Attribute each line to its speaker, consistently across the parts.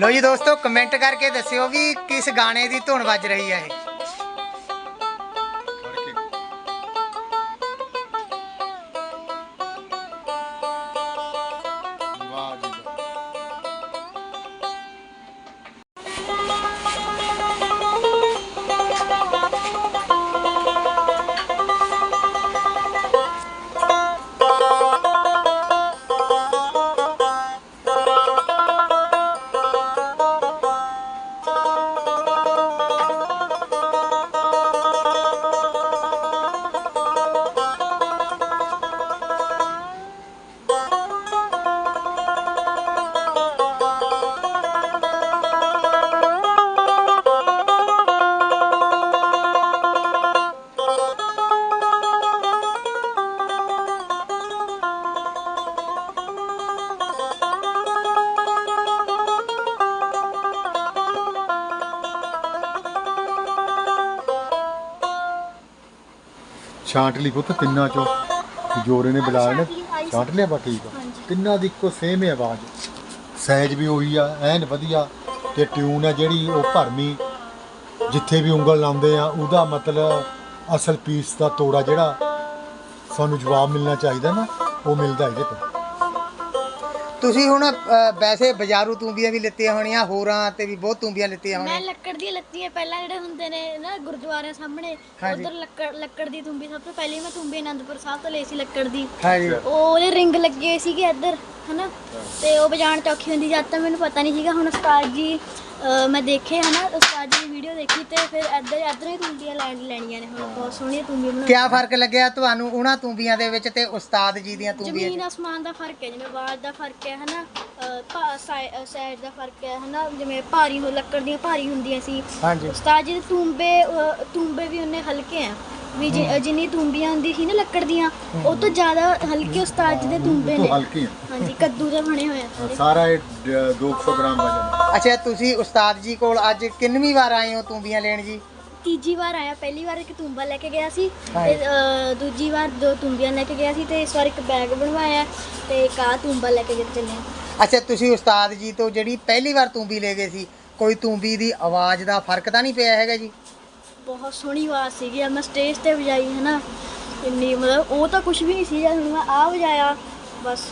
Speaker 1: लो जी दोस्तों कमेंट करके दस्यो भी किस गाने की धुन बज रही है।
Speaker 2: छांट ली पुत तिन्ना चो जोरे ने बुलाया ने छांट लिया बा ठीक है तिन्ना दी इक्को सेम है आवाज़ सहज भी उही आ एन वधिया ते ट्यून है जिहड़ी वो भरमी जिथे भी उंगल लाउंदे आ उहदा मतलब असल पीस दा तोड़ा जिहड़ा सानू जवाब मिलना चाहिए ना वो मिलदा इहदे ते।
Speaker 1: ਤੁਸੀਂ ਹੁਣ ਵੈਸੇ ਬਾਜ਼ਾਰੂ ਤੂੰਬੀਆਂ ਵੀ ਲਿੱਤੀਆਂ ਹੋਣੀਆਂ ਹੋਰਾਂ ਤੇ ਵੀ ਬਹੁਤ ਤੂੰਬੀਆਂ ਲਿੱਤੀਆਂ ਹੋਣੀਆਂ।
Speaker 3: ਮੈਂ ਲੱਕੜ ਦੀਆਂ ਲੱਤੀਆਂ ਪਹਿਲਾਂ ਜਿਹੜੇ ਹੁੰਦੇ ਨੇ ਨਾ ਗੁਰਦੁਆਰਿਆਂ ਸਾਹਮਣੇ ਉਧਰ ਲੱਕੜ ਦੀ ਤੂੰਬੀ ਸਭ ਤੋਂ ਪਹਿਲੇ ਮੈਂ ਤੂੰਬੀ ਆਨੰਦਪੁਰ ਸਾਹਿਬ ਤੋਂ ਲਈ ਸੀ ਲੱਕੜ ਦੀ।
Speaker 1: ਹਾਂਜੀ
Speaker 3: ਉਹਦੇ ਰਿੰਗ ਲੱਗੇ ਸੀਗੇ ਇੱਧਰ ਹਨਾ ਤੇ ਉਹ ਵਜਾਉਣ ਚ ਔਖੀ ਹੁੰਦੀ ਜਦ ਤਾਂ ਮੈਨੂੰ ਪਤਾ ਨਹੀਂ ਸੀਗਾ। ਹੁਣ ਉਸਤਾਦ ਜੀ ਮੈਂ ਦੇਖੇ ਹਨਾ ਉਸਤਾਦ ਜੀ ਦੀ ਵੀਡੀਓ ਦੇਖੀ ਤੇ ਫਿਰ ਇੱਧਰ ਹੀ ਤੂੰਬੀਆਂ ਲੈਣੀਆਂ ਨੇ। ਹੁਣ ਬਹੁਤ ਸੋਹਣੀਆਂ ਤੂੰਬੀਆਂ ਬਣਾਉਂਦੇ।
Speaker 1: ਕਿਆ ਫਰਕ ਲੱਗਿਆ ਤੁਹਾਨੂੰ ਉਹਨਾਂ ਤੂੰਬੀਆਂ ਦੇ ਵਿੱਚ ਤੇ ਉਸਤਾਦ ਜੀ ਦੀਆਂ ਤੂੰਬੀਆਂ
Speaker 3: ਜ਼ਮੀਨ ਆਸਮਾਨ ਦਾ ਫਰਕ ਹੈ ਜਿਵੇਂ ਆਵਾਜ਼ ਦਾ ਫਰਕ ਹੈ ਹਨਾ ਸਾਈਜ਼ ਦਾ ਫਰਕ ਹੈ ਹਨਾ ਜਿਵੇਂ ਭਾਰੀ ਲੱਕੜ ਦੀਆਂ ਭਾਰੀ ਹੁੰਦੀਆਂ ਸੀ।
Speaker 1: ਹਾਂਜੀ
Speaker 3: ਉਸਤਾਦ ਜੀ ਦੇ ਤੂੰਬੇ ਵੀ ਉਹਨੇ ਹਲਕੇ ਆ ਵੀ ਜਿੰਨੀ ਤੂੰਬੀਆਂ ਹੁੰਦੀ ਸੀ ਨਾ ਲੱਕੜ ਦੀਆਂ ਉਹ ਤੋਂ ਜ਼ਿਆਦਾ ਹਲਕੇ ਉਸਤਾਦ ਜੀ ਦੇ ਤੂੰਬੇ ਨੇ।
Speaker 2: ਹਲਕੀ
Speaker 3: ਹਾਂਜੀ ਕੱਦੂ ਦੇ ਬਣੇ ਹੋਏ ਆ
Speaker 2: ਸਾਰਾ 200 ਗ੍ਰਾਮ ਵਜਨ।
Speaker 1: ਅੱਛਾ ਤੁਸੀਂ ਉਸਤਾਦ ਜੀ ਕੋਲ ਅੱਜ ਕਿੰਨਵੀਂ ਵਾਰ ਆਏ ਹੋ ਤੂੰਬੀਆਂ ਲੈਣ ਜੀ?
Speaker 3: ਤੀਜੀ ਵਾਰ ਆਇਆ। ਪਹਿਲੀ ਵਾਰ ਇੱਕ ਤੂੰਬਾ ਲੈ ਕੇ ਗਿਆ ਸੀ ਤੇ ਦੂਜੀ ਵਾਰ 2 ਤੂੰਬੀਆਂ ਲੈ ਕੇ ਗਿਆ ਸੀ ਤੇ ਇਸ ਵਾਰ ਇੱਕ ਬੈਗ ਬਣਵਾਇਆ ਤੇ ਇੱਕ ਆਹ ਤੂੰਬਾ ਲੈ ਕੇ ਚੱਲੇ ਆ।
Speaker 1: ਅੱਛਾ ਤੁਸੀਂ ਉਸਤਾਦ ਜੀ ਤੋਂ ਜਿਹੜੀ ਪਹਿਲੀ ਵਾਰ ਤੂੰਬੀ ਲੈ ਗਏ ਸੀ ਕੋਈ ਤੂੰਬੀ ਦੀ ਆਵਾਜ਼ ਦਾ ਫਰਕ ਤਾਂ ਨਹੀਂ ਪਿਆ ਹੈਗਾ ਜੀ?
Speaker 3: ਬਹੁਤ ਸੋਹਣੀ ਆਵਾਜ਼ ਸੀਗੀ। ਮੈਂ ਸਟੇਜ ਤੇ ਵਜਾਈ ਹੈ ਨਾ ਇੰਨੀ ਮਤਲਬ ਉਹ ਤਾਂ ਕੁਝ ਵੀ ਨਹੀਂ ਸੀ। ਜਦ ਮੈਂ ਆ ਵਜਾਇਆ ਬਸ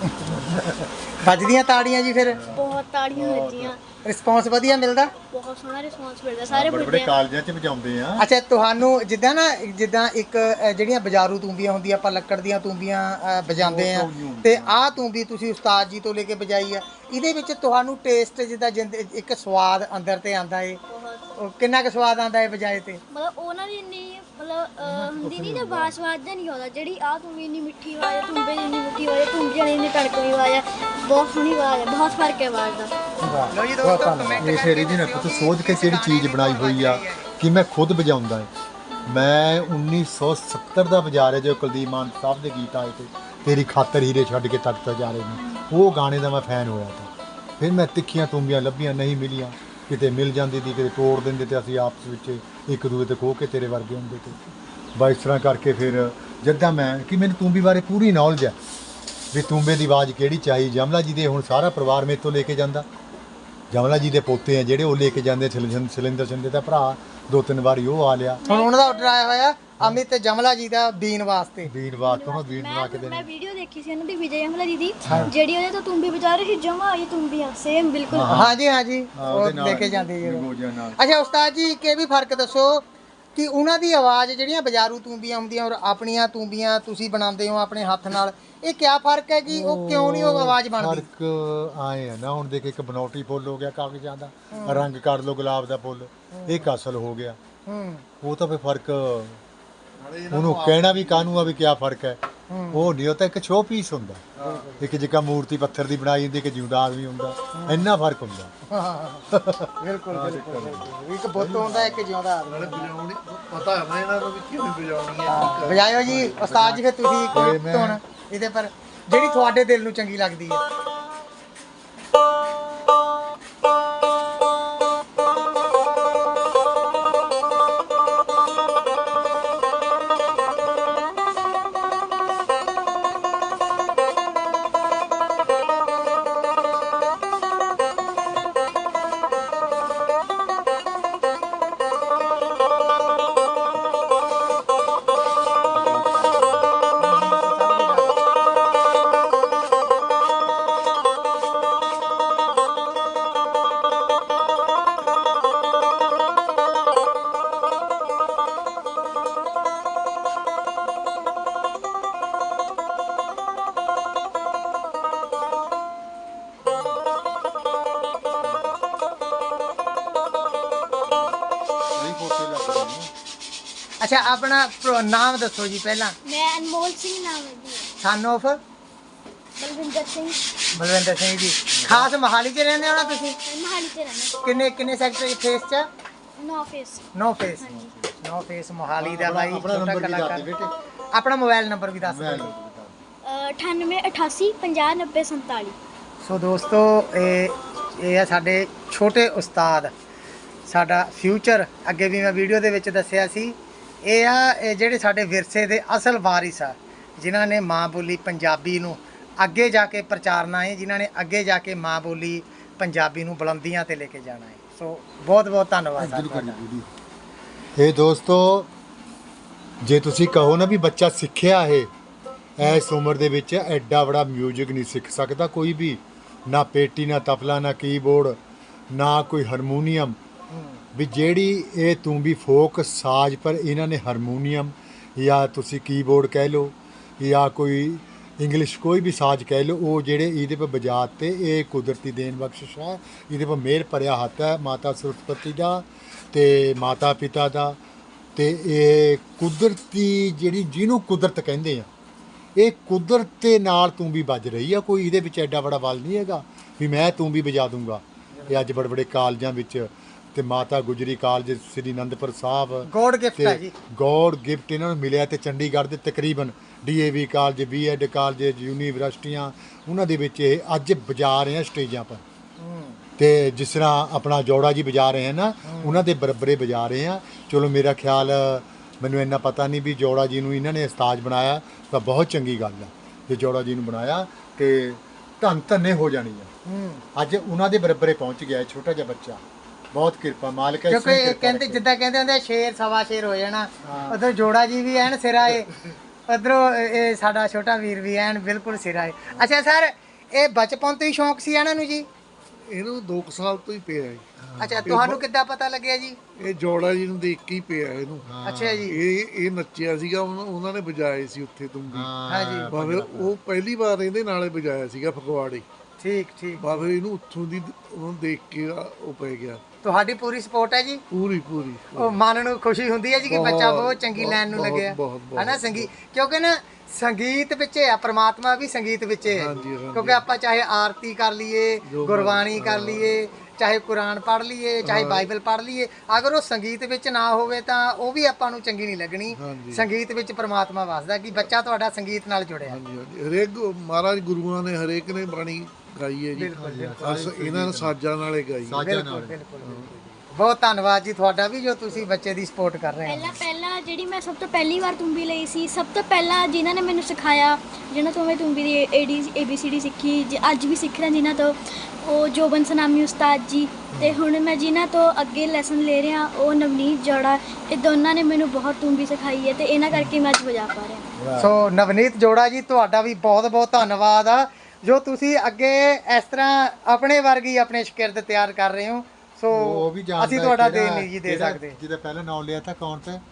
Speaker 1: ਵੱਜਦੀਆਂ ਤਾੜੀਆਂ ਜੀ ਫਿਰ?
Speaker 3: ਬਹੁਤ ਤਾੜੀਆਂ ਵੱਜੀਆਂ।
Speaker 1: ਰਿਸਪੌਂਸ ਵਧੀਆ ਮਿਲਦਾ?
Speaker 3: ਬਹੁਤ ਸੋਹਣਾ ਰਿਸਪੌਂਸ ਮਿਲਦਾ ਸਾਰੇ
Speaker 2: ਬੜੇ
Speaker 3: ਬੁੱਢੇ
Speaker 2: ਕਾਲਜਾਂ 'ਚ ਵਜਾਉਂਦੇ ਆ।
Speaker 1: ਅੱਛਾ ਤੁਹਾਨੂੰ ਜਿੱਦਾਂ ਇੱਕ ਜਿਹੜੀਆਂ ਬਾਜ਼ਾਰੂ ਤੂੰਬੀਆਂ ਹੁੰਦੀਆਂ ਆਪਾਂ ਲੱਕੜ ਦੀਆਂ ਤੂੰਬੀਆਂ ਵਜਾਉਂਦੇ ਆ ਤੇ ਆਹ ਤੂੰਬੀ ਤੁਸੀਂ ਉਸਤਾਦ ਜੀ ਤੋਂ ਲੈ ਕੇ ਵਜਾਈ ਆ ਇਹਦੇ ਵਿੱਚ ਤੁਹਾਨੂੰ ਟੇਸਟ ਜਿੱਦਾਂ ਇੱਕ ਸਵਾਦ ਅੰਦਰ ਤੇ ਆਂਦਾ ਏ ਕਿੰਨਾ ਕੁ ਸਵਾਦ ਆਂਦਾ ਏ ਵਜਾਏ ਤੇ?
Speaker 3: ਮਤਲਬ ਉਹਨਾਂ ਦੀ ਇੰਨੀ ਮਤਲਬ ਹੁੰਦੀ ਨਹੀਂ ਨਾ ਬਾਸਵਾਦ ਜਾਂ ਨਹੀਂ ਆਉਂਦਾ ਜਿਹੜੀ ਆਹ ਤੂੰਬੀ ਇੰਨੀ ਮਿੱਠੀ ਆਵਾਜ਼ ਹੈ ਤੂੰਬੇ ਦੀ ਇੰਨੀ ਮਿੱਠੀ ਆਵਾਜ਼ ਹੈ ਤੂੰਬੀਆਂ ਦੀ ਇੰਨੀ ਟੜਕਵੀਂ ਆਵਾਜ਼ ਹੈ ਬਹੁਤ ਸੋਹਣੀ ਆਵਾਜ਼ ਹੈ ਬਹੁਤ ਫਰਕ ਹੈ ਆਵਾਜ਼ ਦਾ।
Speaker 1: ਲਓ ਜੀ ਦੋਸਤੋ ਕਮੈਂਟ
Speaker 2: ਇਹ ਫੇਰ ਇਹਦੀ ਨਾ ਤੂੰ ਸੋਚ ਕੇ ਕਿਹੜੀ ਚੀਜ਼ ਬਣਾਈ ਹੋਈ ਆ ਕਿ ਮੈਂ ਖੁਦ ਵਜਾਉਂਦਾ ਹੈ। ਮੈਂ 1970 ਦਾ ਵਜਾ ਰਿਹਾ ਜੋ ਕੁਲਦੀਪ ਮਾਨ ਸਾਹਿਬ ਦੇ ਗੀਤ ਆਏ ਤੇ ਤੇਰੀ ਖਾਤਰ ਹੀਰੇ ਛੱਡ ਕੇ ਤਖਤ ਜਾ ਰਹੇ ਨੇ ਉਹ ਗਾਣੇ ਦਾ ਮੈਂ ਫੈਨ ਹੋਇਆ ਤਾਂ ਫਿਰ ਮੈਂ ਤਿੱਖੀਆਂ ਤੂੰਬੀਆਂ ਲੱਭੀਆਂ ਨਹੀਂ ਮਿਲੀਆਂ ਕਿਤੇ ਮਿਲ ਜਾਂਦੀ ਸੀ ਕਿਤੇ ਤੋੜ ਦਿੰਦੇ ਤੇ ਅਸੀਂ ਆਪਸ ਵਿੱਚ ਇੱਕ ਦੂਜੇ ਤੇ ਖੋਹ ਕੇ ਤੇਰੇ ਵਰਗੇ ਹੁੰਦੇ ਤੇ ਬਸ ਇਸ ਤਰ੍ਹਾਂ ਕਰਕੇ ਫਿਰ ਜਿੱਦਾਂ ਮੈਂ ਕਿ ਮੈਨੂੰ ਤੂੰਬੀ ਬਾਰੇ ਪੂਰੀ ਨੌਲੇਜ ਹੈ ਵੀ ਤੂੰਬੇ ਦੀ ਆਵਾਜ਼ ਕਿਹੜੀ ਚਾਹੀ। ਜਮਲਾ ਜੀ ਦੇ ਹੁਣ ਸਾਰਾ ਪਰਿਵਾਰ ਮੇਰੇ ਤੋਂ ਲੈ ਕੇ ਜਾਂਦਾ। ਜਮਲਾ ਜੀ ਦੇ ਪੋਤੇ ਆ ਜਿਹੜੇ ਉਹ ਲੈ ਕੇ ਜਾਂਦੇ ਸਿਲਿੰਦਰ ਸਿੰਦੇ ਦਾ ਭਰਾ 2-3 ਵਾਰੀ ਉਹ ਆ ਲਿਆ।
Speaker 1: ਹੁਣ ਉਹਨਾਂ ਦਾ ਆਰਡਰ ਆਇਆ ਹੋਇਆ ਅਮਿਤ ਜਮਲਾ ਜੀ ਦਾ ਬੀਨ ਵਾਸਤੇ
Speaker 2: ਬੀਨ ਵਾਸਤੇ ਬੀਨ ਬਣਾ ਕੇ ਦੇਣੀ।
Speaker 3: ਮੈਂ ਵੀਡੀਓ ਦੇਖੀ ਸੀ ਉਹਨਾਂ ਦੀ ਵਿਜੇ ਜਮਲਾ ਜੀ ਦੀ ਜਿਹੜੀ ਉਹਦੇ ਤੋਂ ਤੂੰਬੀ ਵਜਾ ਰਹੀ ਸੀ ਜਮਾ ਆਈ ਤੂੰਬੀਆਂ ਸੇਮ ਬਿਲਕੁਲ।
Speaker 1: ਹਾਂਜੀ ਉਹ ਲੈ ਕੇ ਜਾਂਦੇ ਜੀ। ਅੱਛਾ ਉਸਤਾਦ ਜੀ ਕਿ ਵੀ ਫਰਕ ਦੱਸੋ ਕਿ ਉਹਨਾਂ ਦੀ ਆਵਾਜ਼ ਜਿਹੜੀਆਂ ਬਾਜ਼ਾਰੂ ਤੂੰਬੀਆਂ ਹੁੰਦੀਆਂ ਔਰ ਆਪਣੀਆਂ ਤੂੰਬੀਆਂ ਤੁਸੀਂ ਬਣਾਉਂਦੇ ਹੋ ਆਪਣੇ ਹੱਥ ਨਾਲ ਇਹ ਕਿਆ ਫਰਕ ਹੈ ਕਿ ਉਹ ਕਿਉਂ ਨਹੀਂ ਉਹ ਆਵਾਜ਼ ਬਣਦੀ?
Speaker 2: ਫਰਕ ਆਏ ਆ ਨਾ ਹੁਣ ਦੇਖ ਇੱਕ ਬਨੌਟੀ ਫੁੱਲ ਹੋ ਗਿਆ ਕਾਗਜ਼ਾਂ ਦਾ ਰੰਗ ਕਰ ਲਓ ਗੁਲਾਬ ਦਾ ਫੁੱਲ ਇਹ ਕਸਲ ਹੋ ਗਿਆ ਉਹ ਤਾਂ ਫੇ ਫਰਕ ਉਹਨੂੰ ਕਹਿਣਾ ਵੀ ਕਾਹਨੂੰ ਆ ਵੀ ਕਿਆ ਫਰਕ ਹੈ ਉਹ ਨਹੀਂ ਉਹ ਤਾਂ ਇੱਕ ਸ਼ੋ ਪੀਸ ਹੁੰਦਾ ਇੱਕ ਜਿੱਕਾ ਮੂਰਤੀ ਪੱਥਰ ਦੀ ਬਣਾਈ ਹੁੰਦੀ ਕਿ ਜਿਉਂਦਾ ਆਦਮੀ ਹੁੰਦਾ ਇੰਨਾ ਫਰਕ ਹੁੰਦਾ।
Speaker 1: ਬਿਲਕੁਲ ਇੱਕ ਬੁੱਤ ਹੁੰਦਾ ਇੱਕ ਜਿਉਂਦਾ ਆਦਮੀ
Speaker 4: ਪਤਾ ਹੈ ਨਾ ਇਹਨਾਂ ਨੂੰ ਵੀ ਕਿਵੇਂ ਵਜਾਉਣੀ ਹੈ।
Speaker 1: ਵਜਾਇਓ ਜੀ ਉਸਤਾਦ ਜੀ ਫਿਰ ਤੁਸੀਂ ਕੋਈ ਧੁਨ ਇਹਦੇ ਪਰ ਜਿਹੜੀ ਤੁਹਾਡੇ ਦਿਲ ਨੂੰ ਚੰਗੀ ਲੱਗਦੀ ਹੈ। ਅੱਛਾ ਆਪਣਾ ਨਾਮ ਦੱਸੋ ਜੀ ਪਹਿਲਾਂ।
Speaker 3: ਮੈਂ ਅਨਮੋਲ ਸਿੰਘ ਨਾਮ ਹੈ ਜੀ।
Speaker 1: Son of
Speaker 3: Balwinder Singh.
Speaker 1: ਬਲਵਿੰਦਰ ਸਿੰਘ ਜੀ। ਖਾਸ ਮੋਹਾਲੀ 'ਚ ਰਹਿੰਦੇ ਹੋ ਨਾ ਤੁਸੀਂ?
Speaker 3: ਮਹਾਲੀ ਤੇ ਰਹਿੰਦਾ।
Speaker 1: ਕਿੰਨੇ ਸੈਕਟਰ ਫੇਸ 'ਚ?
Speaker 3: 9 ਫੇਸ।
Speaker 1: 9 ਫੇਸ।
Speaker 3: ਹਾਂਜੀ।
Speaker 1: 9 ਫੇਸ ਮੋਹਾਲੀ ਦਾ ਬਾਈ
Speaker 2: ਆਪਣਾ
Speaker 1: ਛੋਟਾ
Speaker 2: ਨੰਬਰ ਵੀ ਦੱਸ
Speaker 1: ਕਲਾਕਾਰ।
Speaker 2: ਦੇ ਬੇਟੇ।
Speaker 1: ਆਪਣਾ ਮੋਬਾਈਲ ਨੰਬਰ ਵੀ ਦੱਸ ਦਿਓ।
Speaker 3: 98 88 50 90 47।
Speaker 1: ਸੋ ਦੋਸਤੋ ਇਹ ਆ ਸਾਡੇ ਛੋਟੇ ਉਸਤਾਦ, ਸਾਡਾ ਫਿਊਚਰ। ਅੱਗੇ ਵੀ ਮੈਂ ਵੀਡੀਓ ਦੇ ਵਿੱਚ ਦੱਸਿਆ ਸੀ, ਇਹ ਜਿਹੜੇ ਸਾਡੇ ਵਿਰਸੇ ਦੇ ਅਸਲ ਵਾਰਿਸ ਆ, ਜਿਨ੍ਹਾਂ ਨੇ ਮਾਂ ਬੋਲੀ ਪੰਜਾਬੀ ਨੂੰ ਅੱਗੇ ਜਾ ਕੇ ਪ੍ਰਚਾਰਨਾ ਹੈ, ਜਿਨ੍ਹਾਂ ਨੇ ਅੱਗੇ ਜਾ ਕੇ ਮਾਂ ਬੋਲੀ ਪੰਜਾਬੀ ਨੂੰ ਬੁਲੰਦੀਆਂ ਤੇ ਲੈ ਕੇ ਜਾਣਾ ਹੈ। ਸੋ ਬਹੁਤ ਬਹੁਤ ਧੰਨਵਾਦ ਤੁਹਾਡਾ।
Speaker 2: ਇਹ ਦੋਸਤੋ, ਜੇ ਤੁਸੀਂ ਕਹੋ ਨਾ ਵੀ ਬੱਚਾ ਸਿੱਖਿਆ ਹੈ, ਇਸ ਉਮਰ ਦੇ ਵਿੱਚ ਐਡਾ ਬੜਾ ਮਿਊਜ਼ਿਕ ਨਹੀਂ ਸਿੱਖ ਸਕਦਾ ਕੋਈ ਵੀ, ਨਾ ਪੇਟੀ, ਨਾ ਤਬਲਾ, ਨਾ ਕੀਬੋਰਡ, ਨਾ ਕੋਈ ਹਾਰਮੋਨੀਅਮ। ਵੀ ਜਿਹੜੀ ਇਹ ਤੂੰਬੀ ਫੋਕ ਸਾਜ਼, ਪਰ ਇਹਨਾਂ ਨੇ ਹਾਰਮੋਨੀਅਮ ਜਾਂ ਤੁਸੀਂ ਕੀਬੋਰਡ ਕਹਿ ਲਓ ਜਾਂ ਕੋਈ ਇੰਗਲਿਸ਼ ਕੋਈ ਵੀ ਸਾਜ਼ ਕਹਿ ਲਓ, ਉਹ ਜਿਹੜੇ ਇਹਦੇ ਪਰ ਵਜਾਤੇ, ਇਹ ਕੁਦਰਤੀ ਦੇਣ ਬਖਸ਼ਿਸ਼ ਹੈ। ਇਹਦੇ ਪਰ ਮਿਹਰ ਭਰਿਆ ਹੱਥ ਹੈ ਮਾਤਾ ਸਰਸਵਤੀ ਦਾ ਤੇ ਮਾਤਾ ਪਿਤਾ ਦਾ। ਤੇ ਇਹ ਕੁਦਰਤੀ ਜਿਹੜੀ, ਜਿਹਨੂੰ ਕੁਦਰਤ ਕਹਿੰਦੇ ਆ, ਇਹ ਕੁਦਰਤ ਦੇ ਨਾਲ ਤੂੰਬੀ ਵੱਜ ਰਹੀ ਆ। ਕੋਈ ਇਹਦੇ ਵਿੱਚ ਐਡਾ ਬੜਾ ਬਲ ਨਹੀਂ ਹੈਗਾ ਵੀ ਮੈਂ ਤੂੰਬੀ ਵਜਾ ਦੂੰਗਾ। ਇਹ ਅੱਜ ਬੜੇ ਬੜੇ ਕਾਲਜਾਂ ਵਿੱਚ ਤੇ Mata Gujri college Sri Anandpur Sahib
Speaker 1: god gift ਹੈ ਜੀ।
Speaker 2: ਗੋਡ ਗਿਫਟ ਇਹਨਾਂ ਨੂੰ ਮਿਲਿਆ। ਤੇ ਚੰਡੀਗੜ੍ਹ ਦੇ ਤਕਰੀਬਨ DAV ਕਾਲਜ, BEd ਕਾਲਜ, ਯੂਨੀਵਰਸਿਟੀਆਂ, ਉਹਨਾਂ ਦੇ ਵਿੱਚ ਇਹ ਅੱਜ ਵਜਾ ਰਹੇ ਆ ਸਟੇਜਾਂ ਪਰ। ਤੇ ਜਿਸ ਤਰ੍ਹਾਂ ਆਪਣਾ ਜੋੜਾ ਜੀ ਵਜਾ ਰਹੇ ਹਨ ਨਾ, ਉਹਨਾਂ ਦੇ ਬਰਾਬਰੇ ਵਜਾ ਰਹੇ ਆ। ਚਲੋ ਮੇਰਾ ਖਿਆਲ, ਮੈਨੂੰ ਇੰਨਾ ਪਤਾ ਨਹੀਂ ਵੀ ਜੋੜਾ ਜੀ ਨੂੰ ਇਹਨਾਂ ਨੇ ਉਸਤਾਦ ਬਣਾਇਆ ਤਾਂ ਬਹੁਤ ਚੰਗੀ ਗੱਲ ਆ। ਜੇ ਜੋੜਾ ਜੀ ਨੂੰ ਬਣਾਇਆ ਤੇ ਧੰਨੇ ਹੋ ਜਾਣੀ ਆ। ਅੱਜ ਉਹਨਾਂ ਦੇ ਬਰਾਬਰੇ ਪਹੁੰਚ ਗਿਆ ਛੋਟਾ ਜਿਹਾ ਬੱਚਾ। ਬਹੁਤ ਕਿਰਪਾ ਮਾਲਕ ਹੈ।
Speaker 1: ਕਿਉਂਕਿ ਕਹਿੰਦੇ ਜਿੱਦਾਂ ਕਹਿੰਦੇ ਹੁੰਦੇ ਸ਼ੇਰ ਸਵਾ ਸ਼ੇਰ ਹੋ ਜਾਣਾ, ਉਧਰ ਜੋੜਾ ਜੀ ਵੀ ਐਨ ਸਿਰਾ ਏ, ਉਧਰੋਂ ਇਹ ਸਾਡਾ ਛੋਟਾ ਵੀਰ ਵੀ ਐਨ ਬਿਲਕੁਲ ਸਿਰਾ ਏ। ਅੱਛਾ ਸਰ, ਇਹ ਬਚਪਨ ਤੋਂ ਹੀ ਸ਼ੌਂਕ ਸੀ ਇਹਨਾਂ ਨੂੰ ਜੀ?
Speaker 4: ਇਹਨੂੰ 2 ਸਾਲ ਤੋਂ ਹੀ ਪਿਆ ਹੈ।
Speaker 1: ਅੱਛਾ, ਤੁਹਾਨੂੰ ਕਿੱਦਾਂ ਪਤਾ ਲੱਗਿਆ ਜੀ?
Speaker 4: ਇਹ ਜੋੜਾ ਜੀ ਨੂੰ ਦੇਖ ਕੇ ਹੀ ਪਿਆ ਇਹਨੂੰ।
Speaker 1: ਅੱਛਾ ਜੀ।
Speaker 4: ਇਹ ਨੱਚਿਆ ਸੀਗਾ, ਉਹਨਾਂ ਨੇ ਵਜਾਏ ਸੀ ਉੱਥੇ ਤੁੰਬੀ।
Speaker 1: ਹਾਂ ਜੀ।
Speaker 4: ਬਾਬੇ ਉਹ ਪਹਿਲੀ ਵਾਰ ਇਹਦੇ ਨਾਲੇ ਵਜਾਇਆ ਸੀਗਾ ਫਗਵਾੜੇ।
Speaker 1: ਠੀਕ ਠੀਕ।
Speaker 4: ਬਾਬੇ ਇਹਨੂੰ ਉੱਥੋਂ ਦੀ ਉਹਨੂੰ ਦੇਖ ਕੇ ਉਹ ਪੈ ਗਿਆ।
Speaker 1: ਤੁਹਾਡੀ ਪੂਰੀ ਸਪੋਰਟ ਹੈ ਜੀ?
Speaker 4: ਪੂਰੀ।
Speaker 1: ਉਹ ਮਨ ਨੂੰ ਖੁਸ਼ੀ ਹੁੰਦੀ ਹੈ ਜੀ ਕਿ ਬੱਚਾ ਬਹੁਤ ਚੰਗੀ ਲਾਈਨ ਨੂੰ ਲੱਗਿਆ ਹੈ ਨਾ। ਸੰਗੀਤ, ਕਿਉਂਕਿ ਨਾ ਸੰਗੀਤ ਵਿੱਚ ਆ, ਪ੍ਰਮਾਤਮਾ ਵੀ ਸੰਗੀਤ ਵਿੱਚ ਹੈ। ਕਿਉਂਕਿ ਆਪਾਂ ਚਾਹੇ ਆਰਤੀ ਕਰ ਲਈਏ, ਗੁਰਬਾਣੀ ਕਰ ਲਈਏ, ਚਾਹੇ ਕੁਰਾਨ ਪੜ੍ਹ ਲਈਏ, ਚਾਹੇ ਬਾਈਬਲ ਪੜ੍ਹ ਲਈਏ, ਅਗਰ ਉਹ ਸੰਗੀਤ ਵਿੱਚ ਨਾ ਹੋਵੇ ਤਾਂ ਉਹ ਵੀ ਆਪਾਂ ਨੂੰ ਚੰਗੀ ਨਹੀਂ ਲੱਗਣੀ। ਸੰਗੀਤ ਵਿੱਚ ਪ੍ਰਮਾਤਮਾ ਵਸਦਾ। ਕਿ ਬੱਚਾ ਤੁਹਾਡਾ ਸੰਗੀਤ ਨਾਲ ਜੁੜਿਆ।
Speaker 4: ਹਰੇਕ ਮਹਾਰਾਜ ਗੁਰੂਆਂ ਨੇ ਹਰੇਕ ਨੇ ਬਾਣੀ ਗਾਈ ਹੈ ਜੀ। ਬਸ ਇਹਨਾਂ ਨੇ ਸਾਜ਼ਾਂ ਨਾਲੇ ਗਾਈ।
Speaker 1: ਬਿਲਕੁਲ। ਬਹੁਤ ਧੰਨਵਾਦ ਜੀ ਤੁਹਾਡਾ ਵੀ, ਜੋ ਤੁਸੀਂ ਬੱਚੇ ਦੀ ਸਪੋਰਟ ਕਰ ਰਹੇ ਹੋ।
Speaker 3: ਪਹਿਲਾਂ ਜਿਹੜੀ ਮੈਂ ਸਭ ਤੋਂ ਪਹਿਲੀ ਵਾਰ ਤੁੰਬੀ ਲਈ ਸੀ, ਸਭ ਤੋਂ ਪਹਿਲਾਂ ਜਿਨ੍ਹਾਂ ਨੇ ਮੈਨੂੰ ਸਿਖਾਇਆ, ਜਿਹਨਾਂ ਤੋਂ ਮੈਂ ਤੁੰਬੀ ਦੀ ABCD ਸਿੱਖੀ, ਅੱਜ ਵੀ ਸਿੱਖ ਰਿਹਾ ਜਿਨ੍ਹਾਂ ਤੋਂ, ਉਹ ਜੋਬਨ ਸਨਾਮੀ ਉਸਤਾਦ ਜੀ। ਤੇ ਹੁਣ ਮੈਂ ਜਿਨ੍ਹਾਂ ਤੋਂ ਅੱਗੇ ਲੈਸਨ ਲੈ ਰਿਹਾ, ਉਹ ਨਵਨੀਤ ਜੋੜਾ। ਇਹ ਦੋਨਾਂ ਨੇ ਮੈਨੂੰ ਬਹੁਤ ਤੁੰਬੀ ਸਿਖਾਈ ਹੈ ਤੇ ਇਹਨਾਂ ਕਰਕੇ ਮੈਂ ਅੱਜ ਵਜਾ ਪਾ ਰਿਹਾ।
Speaker 1: ਸੋ ਨਵਨੀਤ ਜੋੜਾ ਜੀ, ਤੁਹਾਡਾ ਵੀ ਬਹੁਤ ਬਹੁਤ ਧੰਨਵਾਦ ਆ, ਜੋ ਤੁਸੀਂ ਅੱਗੇ ਇਸ ਤਰ੍ਹਾਂ ਆਪਣੇ ਵਰਗੀ ਆਪਣੇ ਸ਼ਾਗਿਰਦ ਤਿਆਰ ਕਰ ਰਹੇ ਹੋ। ਸੋ ਅਸੀਂ ਤੁਹਾਡਾ ਦੇਣ ਨਹੀਂ ਜੀ ਦੇ ਸਕਦੇ।
Speaker 2: ਜਿਹਦਾ ਪਹਿਲਾਂ ਨਾਮ ਲਿਆ ਤਾਂ ਕੌਣ ਤੇ?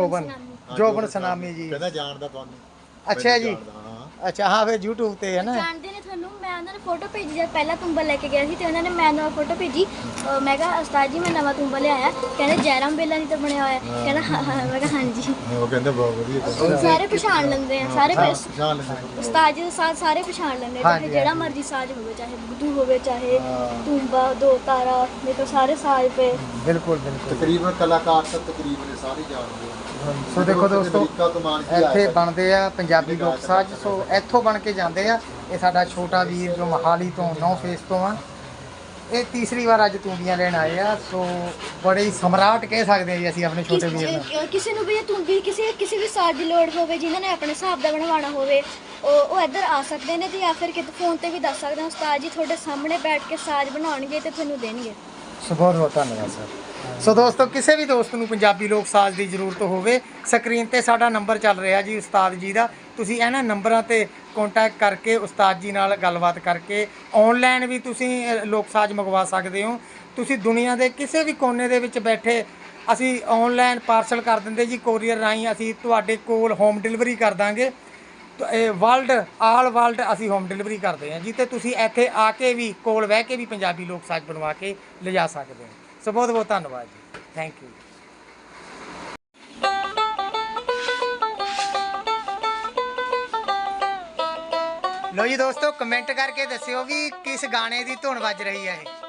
Speaker 1: ਜੋਬਨ ਸਨਾਮੀ ਜੀ।
Speaker 2: ਕਹਿੰਦਾ ਜਾਣਦਾ ਤੁਹਾਨੂੰ।
Speaker 1: ਅੱਛਾ ਜੀ। ਅੱਛਾ, ਹਾਂ ਫਿਰ YouTube ਤੇ ਹੈ ਨਾ।
Speaker 3: ਜਾਣਦੇ ਨੇ ਤੁਹਾਨੂੰ। ਮੈਂ ਉਹਨਾਂ ਨੂੰ ਫੋਟੋ ਭੇਜੀ, ਜਦ ਪਹਿਲਾਂ ਤੁੰਬਾ ਲੈ ਕੇ ਗਿਆ ਸੀ ਤੇ ਉਹਨਾਂ ਨੇ ਮੈਨੂੰ ਫੋਟੋ ਭੇਜੀ। ਮੈਂ ਕਿਹਾ ਉਸਤਾਦ ਜੀ ਮੈਂ ਨਵਾਂ ਤੁੰਬਾ ਲਿਆਇਆ। ਕਹਿੰਦੇ ਜੈਰਾਮ ਬੇਲਾ ਨਹੀਂ ਤਾਂ ਬਣਿਆ ਹੋਇਆ। ਕਹਿੰਦਾ ਹਾਂ। ਮੈਂ ਕਿਹਾ ਹਾਂਜੀ।
Speaker 2: ਉਹ ਕਹਿੰਦਾ ਬਹੁਤ ਵਧੀਆ।
Speaker 3: ਸਾਰੇ ਪਛਾਣ ਲੈਂਦੇ ਆ, ਸਾਰੇ ਉਸਤਾਦ ਜੀ ਦੇ ਸਾਥ ਸਾਰੇ ਪਛਾਣ ਲੈਂਦੇ ਆ। ਜਿਹੜਾ ਮਰਜ਼ੀ ਸਾਜ਼ ਹੋਵੇ, ਚਾਹੇ ਬੁੱਧੂ ਹੋਵੇ, ਚਾਹੇ ਤੁੰਬਾ, ਦੋ ਤਾਰਾ, ਮੇਰੇ ਕੋਲ ਸਾਰੇ ਸਾਜ਼ ਪਏ।
Speaker 1: ਬਿਲਕੁਲ।
Speaker 2: ਤਕਰੀਬਨ ਕਲਾਕਾਰ ਤਾਂ ਤਕਰੀਬਨ ਸਾਰੇ ਜਾਣਦੇ ਆ।
Speaker 1: ਸੋ ਦੇਖੋ ਦੋਸਤੋ, ਇੱਥੇ ਬਣਦੇ ਆ ਪੰਜਾਬੀ ਲੋਕ ਸਾਜ਼। ਸੋ ਇੱਥੋਂ ਬਣ ਕੇ ਜਾਂਦੇ ਆ। ਇਹ ਸਾਡਾ ਛੋਟਾ ਵੀਰ ਜੋ ਮੋਹਾਲੀ ਤੋਂ 9 ਫੇਸ ਤੋਂ ਆ, ਇਹ ਤੀਸਰੀ ਵਾਰ ਅੱਜ ਤੂੰਬੀਆਂ ਲੈਣ ਆਏ ਆ। ਸੋ ਬੜੇ ਹੀ ਸਮਰਾਟ ਕਹਿ ਸਕਦੇ ਆ ਜੀ ਅਸੀਂ ਆਪਣੇ ਛੋਟੇ ਵੀਰ ਨੂੰ।
Speaker 3: ਕਿਸੇ ਨੂੰ ਵੀ ਤੁੰਬੀ ਕਿਸੇ ਵੀ ਸਾਜ਼ ਦੀ ਲੋੜ ਹੋਵੇ, ਜਿਨ੍ਹਾਂ ਨੇ ਆਪਣੇ ਹਿਸਾਬ ਦਾ ਬਣਵਾਉਣਾ ਹੋਵੇ, ਉਹ ਇੱਧਰ ਆ ਸਕਦੇ ਨੇ ਤੇ ਜਾਂ ਫਿਰ ਕਿਤੇ ਫੋਨ ਤੇ ਵੀ ਦੱਸ ਸਕਦੇ ਆ। ਉਸਤਾਦ ਜੀ ਤੁਹਾਡੇ ਸਾਹਮਣੇ ਬੈਠ ਕੇ ਸਾਜ਼ ਬਣਾਉਣਗੇ ਤੇ ਤੁਹਾਨੂੰ ਦੇਣਗੇ।
Speaker 1: ਸੋ ਬਹੁਤ ਬਹੁਤ ਧੰਨਵਾਦ ਸਰ। ਸੋ ਦੋਸਤੋ, ਕਿਸੇ ਵੀ ਦੋਸਤ ਨੂੰ ਪੰਜਾਬੀ ਲੋਕ ਸਾਜ਼ ਦੀ ਜ਼ਰੂਰਤ ਹੋਵੇ, ਸਕਰੀਨ ਤੇ ਸਾਡਾ ਨੰਬਰ ਚੱਲ ਰਿਹਾ ਜੀ ਉਸਤਾਦ ਜੀ ਦਾ। ਤੁਸੀਂ ਇਹਨਾਂ ਨੰਬਰਾਂ ਤੇ ਕੰਟੈਕਟ ਕਰਕੇ ਉਸਤਾਦ ਜੀ ਨਾਲ ਗੱਲਬਾਤ ਕਰਕੇ ਆਨਲਾਈਨ ਵੀ ਤੁਸੀਂ ਲੋਕ ਸਾਜ਼ ਮੰਗਵਾ ਸਕਦੇ ਹੋ। ਤੁਸੀਂ ਦੁਨੀਆ ਦੇ ਕਿਸੇ ਵੀ ਕੋਨੇ ਦੇ ਵਿੱਚ ਬੈਠੇ, ਅਸੀਂ ਆਨਲਾਈਨ ਪਾਰਸਲ ਕਰ ਦਿੰਦੇ ਜੀ, ਕੋਰੀਅਰ ਰਾਹੀਂ ਅਸੀਂ ਤੁਹਾਡੇ ਕੋਲ ਹੋਮ ਡਿਲੀਵਰੀ ਕਰ ਦਾਂਗੇ। ਆਲ ਵਰਲਡ ਅਸੀਂ ਹੋਮ ਡਿਲੀਵਰੀ ਕਰਦੇ ਹਾਂ ਜੀ। ਤੇ ਤੁਸੀਂ ਇੱਥੇ ਆ ਕੇ ਵੀ, ਕੋਲ ਬਹਿ ਕੇ ਵੀ ਪੰਜਾਬੀ ਲੋਕ ਸਾਜ਼ ਬਣਵਾ ਕੇ ਲਿਜਾ ਸਕਦੇ ਹੋ। ਸੋ ਬਹੁਤ ਬਹੁਤ ਧੰਨਵਾਦ ਜੀ। Thank you. ਲੋ ਜੀ ਦੋਸਤੋ, ਕਮੈਂਟ ਕਰਕੇ ਦੱਸਿਓ ਵੀ ਕਿਸ ਗਾਣੇ ਦੀ ਧੁਨ ਵੱਜ ਰਹੀ ਹੈ ਇਹ।